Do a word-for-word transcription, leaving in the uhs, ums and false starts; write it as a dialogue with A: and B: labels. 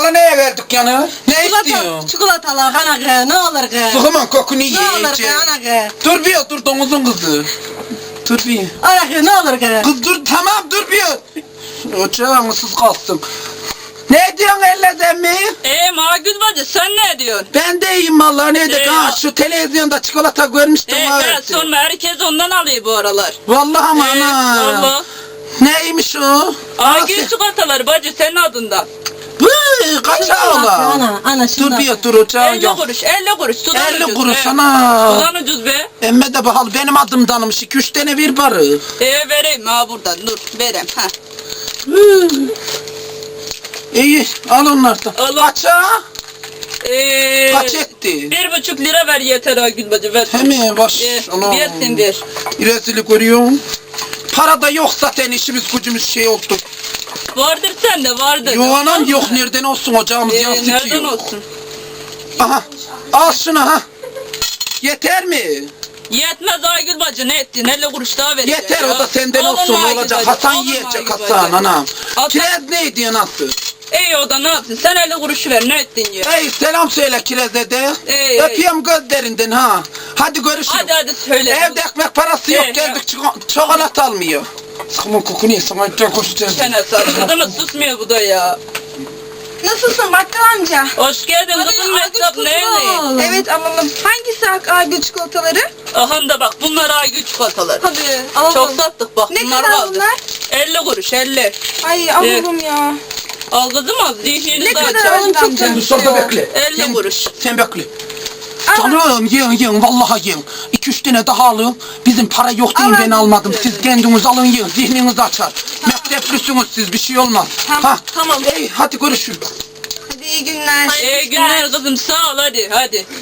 A: Hala neye verdik yani? Ne istiyorsun?
B: Çikolatalar ana kız ne olur kız.
A: Sıkımın kokunu
B: Ne olur kız
A: yiyeceğim.
B: ana kız.
A: Dur bir dur domuzun kızı. Dur bir.
B: Ana kız ne olur kız.
A: Kız dur tamam dur bir. Ocağın ısız kalsın. Ne diyorsun elleden mi?
C: Eee Magül bacı sen ne diyorsun?
A: Ben de iyiyim vallahi ne de
C: Ee,
A: ha şu televizyonda çikolata görmüştüm
C: Eee
A: var.
C: evet sorma herkes ondan alıyor bu aralar.
A: Vallahi ama
C: Eee
A: ana.
C: valla.
A: Neymiş o?
C: Agül çikolataları bacı senin adından.
A: Vıy kaça ola?
B: Ana ana
A: Dur
B: şundan.
A: bir dur ocağın
C: elli
A: yok.
C: kuruş elli kuruş sudan
A: elli
C: ucuz
A: kuruş
C: be.
A: ana.
C: Sudan ucuz be.
A: Emme de bahalı benim adımdanmış iki üç tane bir barı.
C: Eee vereyim ha buradan dur vereyim ha.
A: Hı. İyi al onlardan.
C: Al.
A: Kaça?
C: Eee
A: Kaç etti?
C: bir buçuk lira ver yeter Agül bacı ver.
A: Hemen baş.
C: Eee
A: Anam.
C: versin ver.
A: Rezillik görüyorum. Para da yok zaten işimiz gücümüz şey oldu.
C: Vardır sende vardır.
A: Yok anam
C: Olmaz
A: yok
C: mı?
A: nereden olsun ocağımız
C: Eee
A: yan
C: nereden
A: sıkıyor.
C: olsun?
A: Aha al şunu ha. Yeter mi?
C: Yetmez Aygül bacı ne ettin? elli kuruş daha vereceksin.
A: Yeter
C: ya.
A: o da senden
C: Olur
A: olsun
C: mu Aygül
A: olacak.
C: bacı?
A: Hasan
C: Olur mu
A: yiyecek
C: Aygül
A: Hasan
C: bacı?
A: anam.
C: Hasan-
A: Kiraz ne diyor nasıl?
C: İyi o da ne yapsın? Sen elli kuruş ver ne ettin ya?
A: Ey selam söyle Kiraz'e de.
C: Ey,
A: Öpüyorum gözlerinden ha. Hadi görüşürüz.
C: Hadi hadi söyle.
A: Evde ekmek parası yok
C: Ey,
A: geldik çiko- çikolata almıyor. Sıkımın kokunu yesin gel koşacağız.
C: Çene sarıldı mı susmuyor bu da ya.
D: Nasılsın bakkal amca?
C: Hoş geldin kızım mektap nerede?
D: Evet alalım. Hangisi Ak Aygül çikolataları?
C: Aha da bak bunlar Aygül çikolataları.
D: Hadi alalım.
C: Çok sattık bak
D: Ne
C: bunlar
D: kadar
C: kaldı.
D: bunlar?
C: elli kuruş elli.
D: Ay alalım ya.
C: Al kızım al zihnini
D: Ne
C: de
D: kadar
C: açar.
D: alalım çok
A: Dur
D: çalışıyor.
A: şurada bekle.
C: elli
A: Sen-
C: kuruş.
A: Sen bekle.
D: Al.
A: Canım yiyin yiyin vallahi yiyin. İki üç tane daha alın. Bizim para yok diye
D: Al,
A: ben
D: al.
A: almadım. Siz kendiniz alın yiyin. Zihniniz açar. Mekteplüsünüz siz bir şey olmaz.
D: Tamam,
A: Ha,
D: tamam.
A: Ey hadi görüşürüz.
D: Hadi iyi günler.
C: İyi günler kızım sağ ol hadi hadi.